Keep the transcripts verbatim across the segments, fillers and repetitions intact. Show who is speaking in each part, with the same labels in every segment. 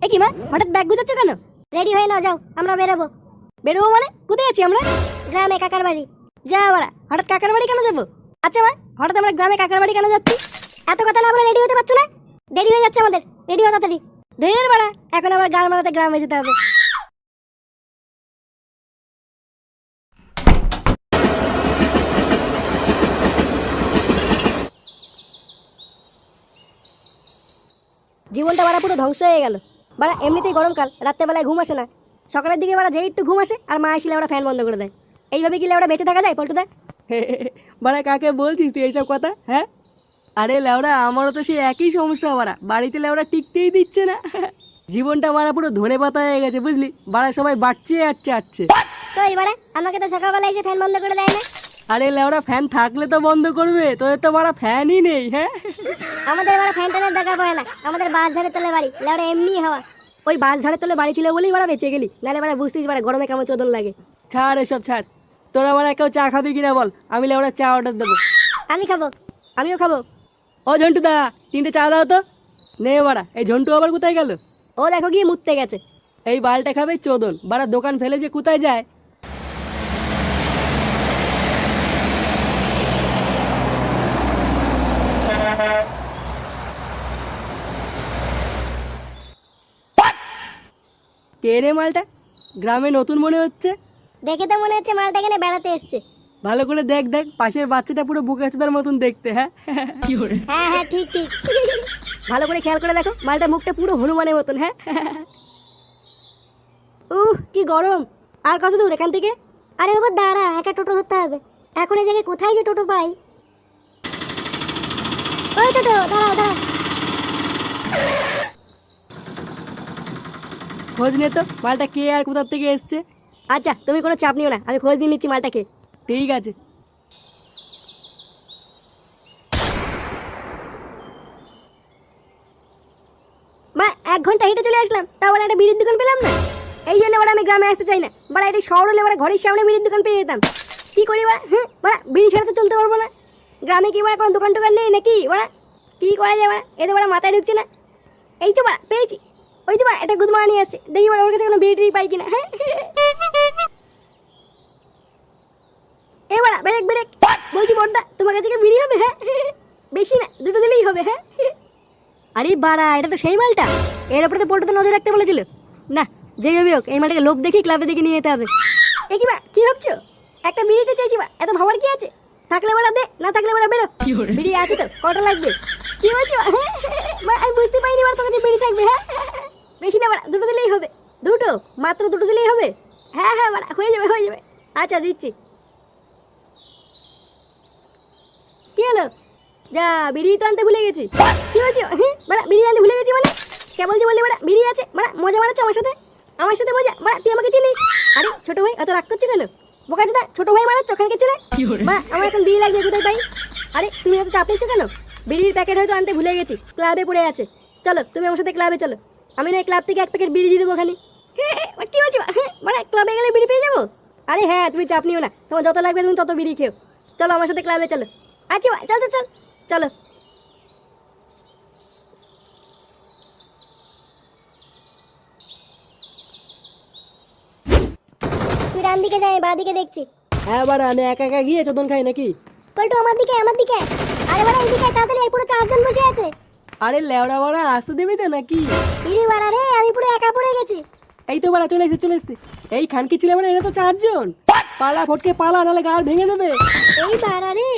Speaker 1: কি মা হঠাৎ ব্যাগ গুছাচ্ছ কেন?
Speaker 2: রেডি হয়ে নাও, যাও আমরা বেরোবো।
Speaker 1: বেরোবো মানে? কোথায় আছি আমরা?
Speaker 2: গ্রামে কাকার বাড়ি।
Speaker 1: যা বাড়া, হঠাৎ কাকার বাড়ি কেন যাবো? আচ্ছা মা, হঠাৎ আমরা গ্রামে কাকার বাড়ি কেন যাচ্ছি?
Speaker 2: এত কথা না বলে রেডি হতে পারছো না? দেরি হয়ে যাচ্ছে আমাদের, রেডি হও তাড়াতাড়ি।
Speaker 1: ধের বাড়া, এখন আবার গান মারাতে গ্রামে যেতে হবে। জীবনটা বাড়া পুরো ধ্বংস হয়ে গেল। বাড়া এমনিতেই গরমকাল, রাত্রেবেলায় ঘুম আসে না। সকালের দিকে বাড়া যেই একটু ঘুম আসে আর মা আসলে ওরা ফ্যান বন্ধ করে দেয়। এইভাবে কি লেওড়া বেঁচে থাকা যায় পল্টুদা?
Speaker 3: বাড়া কাকে বলছিস তুই এইসব কথা? হ্যাঁ, আরে লেওড়া আমারও তো সেই একই সমস্যা। বাড়া বাড়িতে লেওড়া টিকতেই দিচ্ছে না। জীবনটা বাড়া পুরো ধনে পাতা হয়ে গেছে বুঝলি। বাড়া সবাই বাড়ছে আসছে আসছে।
Speaker 2: তো এবারে আমাকে তো সকালবেলা এসে ফ্যান বন্ধ করে দেয় না।
Speaker 3: আরে লেওড়া ফ্যান থাকলে তো বন্ধ করবে, তোদের তো বাড়া ফ্যানই নেই। হ্যাঁ,
Speaker 2: আমাদের এবারে ফ্যান ট্যানের দরকার পড়ে না, আমাদের বাস ঝাড়ে তোলে বাড়ি, লেওড়া এমনি হাওয়া।
Speaker 1: ওই বাস ঝাড়ে তোলে বাড়ি ছিল বলেই বাড়া বেঁচে গেলি, নাহলে বাড়া বুঝতিস বাড়া গরমে কেমন চোদন লাগে।
Speaker 3: ছাড় এসব ছাড়। তোরা বাড়া কেউ চা খাবি কিনা বল, আমি লেওড়া চা অর্ডার দেবো।
Speaker 2: আমি খাবো।
Speaker 1: আমিও খাবো।
Speaker 3: ও ঝন্টু দা, তিনটে চা দাও তো। নে বাড়া, এই ঝন্টু আবার কোথায় গেল?
Speaker 1: ও দেখো গিয়ে মুততে গেছে।
Speaker 3: এই বালটা খাবে চোদন, বাড়া দোকান ফেলে যে কোথায় যায়। কে রে মালটা? গ্রামে নতুন মনে হচ্ছে।
Speaker 2: দেখে তো মনে হচ্ছে মালটা এখানে বেড়াতে এসছে।
Speaker 3: ভালো করে দেখ দেখ, পাশের বাচ্চাটা পুরো বোকাচোদার মতন দেখতে। হ্যাঁ
Speaker 2: হ্যাঁ হ্যাঁ ঠিক ঠিক।
Speaker 1: ভালো করে খেয়াল করে দেখো, মালটা মুখটা পুরো হনুমানের মতন। হ্যাঁ উহ কি গরম। আর কত দূর এখান থেকে?
Speaker 2: আরে বাবা দাঁড়া, একা টোটো ধরতে হবে। এখন এই জায়গায় কোথায় যে টোটো পাই? ওই টোটো দাঁড়াও দাঁড়াও।
Speaker 3: খোঁজ নে তো মালটা কে আর কোথার থেকে এসছে।
Speaker 1: আচ্ছা তুমি কোনো চাপ নিও না, আমি খোঁজ নিয়ে নিচ্ছি মালটাকে।
Speaker 3: ঠিক আছে।
Speaker 1: মা এক ঘন্টা হেঁটে চলে আসলাম, তাও আবার একটা বিড়ির দোকান পেলাম না। এই জন্য বলে আমি গ্রামে আসতে চাই না। বলে এটা শহর হলে বলে ঘরের সামনে বিড়ির দোকান পেয়ে যেতাম। কি করি বলা? হ্যাঁ বলা বিড়ি ছাড়া তো চলতে পারবো না। গ্রামে কি বলা কোনো দোকান টোকান নেই নাকি? বলা কি করা যায় বলা? এতে বলা মাথায় ঢুকছে না। এই তো বলা পেয়েছি, ওই তো বলা একটা গুদমা নিয়ে আসছে, দেখি বলা ওর কাছে কোনো বিড়ি টিড়ি পাই কিনা। হ্যাঁ এ বলা ব্রেক ব্রেক বলছি বড়দা, তোমার কাছে কি বিড়ি হবে? হ্যাঁ বেশি না, দুটো দিলেই হবে। হ্যাঁ আরে বাড়া, এটা তো সেই মালটা। এর উপরে তো পল্টুতে নজর রাখতে বলেছিল। না যেই হবে হোক, এই মালটাকে লোক দেখি ক্লাবে দেখে নিয়ে যেতে হবে। এ কি বা কি ভাবছো? একটা বিড়িতে চাইছি বা, এত ভাবার কি আছে? থাকলে বাড়া দে, না থাকলে বাড়া বেরো। বিড়ি আছে তো, কটা লাগবে? কি বলছো? মা আমি বুঝতে পারিনি বাড়া তোর কাছে বিড়ি থাকবে। হ্যাঁ বেশি না বাড়া, দুটো দিলেই হবে। দুটো মাত্র দুটো দিলেই হবে। হ্যাঁ হ্যাঁ বাড়া হয়ে যাবে হয়ে যাবে। আচ্ছা দিচ্ছি। কি হলো? যা বিড়ি তো আনতে ভুলে গেছি। কি বলছো? বাড়া বিড়ি আনতে ভুলে গেছি মানে? কে বলছি বললি বাড়া বিড়ি আছে? বাড়া মজা মারাচ্ছ আমার সাথে? আমার সাথে মজা? বাড়া তুই আমাকে চিনিস? আরে ছোট ভাই এত রাগ করছি কেন? বোকাচোদা ছোট ভাই মারাচ্ছ ওখানকে ছেলে। বাড়া আমার এখন বিড়ি লাগবে, কোথায় পাই? আরে তুমি এত চাপ নিচ্ছ কেন? বিড়ির প্যাকেট হয়তো আনতে ভুলে গেছি, ক্লাবে পড়ে আছে। চলো তুমি আমার সাথে ক্লাবে চলো, আমি না ক্লাব থেকে এক প্যাকেট বিড়ি দিয়ে দেবো ওখানে। কি বলছি? মানে ক্লাবে গেলে বিড়ি পেয়ে যাবো? আরে হ্যাঁ তুমি চাপ নিও না, তোমার যত লাগবে তুমি তত বিড়ি খেও। চলো আমার সাথে ক্লাবে চলো। আচ্ছা চল চল চল চলো।
Speaker 2: তুই ডান দিকে যাই, বাঁ দিকে দেখছি।
Speaker 3: হ্যাঁ বাড়া, আমি একা একা গিয়ে চোদন খাই নাকি?
Speaker 2: পল্টু আমার দিকে আমার দিকে। আরে বাড়া এই দিকে তাড়াতাড়ি, এই পুরো চারজন বসে আছে।
Speaker 3: আরে লেওড়া বাড়া আসতে দেবে তো নাকি?
Speaker 2: ইরে বাড়া রে, আমি পুরো একা পড়ে গেছি।
Speaker 3: এই তো বাড়া চলে এসে চলে এসে। এই খানকি ছিল মানে এরা তো চারজন। পালা ফটকে পালা, নাহলে গাল ভেঙে দেবে।
Speaker 2: এই বাড়া রে।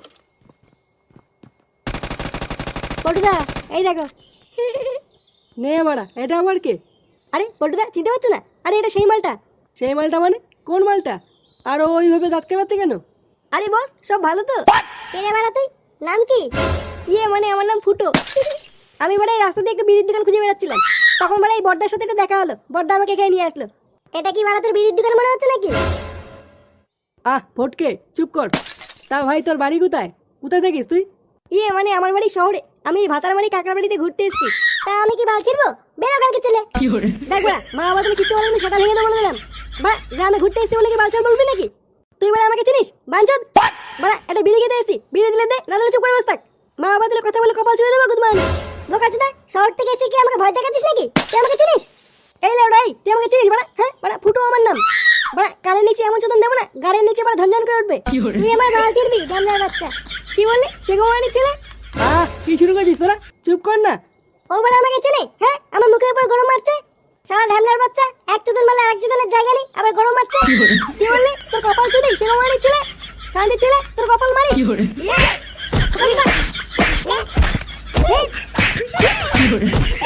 Speaker 1: পল্টুদা এই দেখো।
Speaker 3: নে বাড়া, এটা আমার কে?
Speaker 1: আরে পল্টুদা চিনতে পারছো না? আরে এটা সেই মালটা।
Speaker 3: সেই মালটা মানে? কোন মালটা? আর ও ওইভাবে দাঁত কেলাচ্ছে কেন?
Speaker 1: আরে বস সব ভালো তো?
Speaker 2: কে রে বাড়া তুই? নাম কি?
Speaker 1: ইয়ে মানে আমার নাম ফুটো। আমি মানে এই রাস্তা দিয়ে একটা বিড়ির দোকান খুঁজে বেড়াচ্ছিলাম, তখন মানে এই বড়দার সাথে একটু দেখা হলো, বড়দা আমাকে এখানে নিয়ে আসলো।
Speaker 2: এটা কি বাড়া তোর বিড়ির দোকান মনে হচ্ছে নাকি?
Speaker 3: আহ ফটকে চুপ কর। তা ভাই তোর বাড়ি কোথায়? কোথায় থাকিস তুই?
Speaker 1: ইয়ে মানে আমার বাড়ি শহরে, আমি এই ভাতারমারি কাকার বাড়িতে ঘুরতে এসেছি।
Speaker 2: তা আমি কি বাল ছিড়বো? বেরো কালকে ছেলে।
Speaker 1: দেখ বড়া, মা বাবা তুমি কিছু বলে সেটা ভেঙে দেবো বলে দিলাম। বা গ্রামে ঘুরতে এসেছি বলে কি বালছাল বলবি নাকি? তুই বড়া আমাকে চিনিস বাঞ্চদ? বড়া একটা বিড়ি খেতে এসেছি, বিড়ি দিলে দে, না দিলে চুপ করে বস থাক। মা বাবা দিলে কথা বলে কপাল ছুঁয়ে দেবো গুদমান।
Speaker 2: বোকাচোদা, শহর থেকে এসে কি আমাকে ভয় দেখাচ্ছিস নাকি?
Speaker 1: তুই আমাকে চিনিস? এই লেওড়া এই তুই আমাকে চিনিস বাড়া? হ্যাঁ বাড়া ফুটো আমার নাম বাড়া। কানের নিচে এমন চোদন দেবো না গাড়ির নিচে বাড়া ঝনঝন করে উঠবে।
Speaker 2: তুই আমার বাল চিনবি ঢ্যামনার বাচ্চা।
Speaker 1: কি বললি সে গোমানির ছেলে?
Speaker 3: আহ কি শুরু করেছিস তোরা? চুপ কর না।
Speaker 2: ও বাড়া আমাকে চেনে? হ্যাঁ আমার মুখের উপর গরম মারছে। সারা ঢ্যামনার বাচ্চা এক চোদন মারলে এক চোদনের জায়গা নেই আবার গরম মারছে।
Speaker 1: কি বললি তোর কপাল চুদি সে গোমানির ছেলে? শান্তির ছেলে তোর কপাল মারি। ইয়ে!
Speaker 2: এই,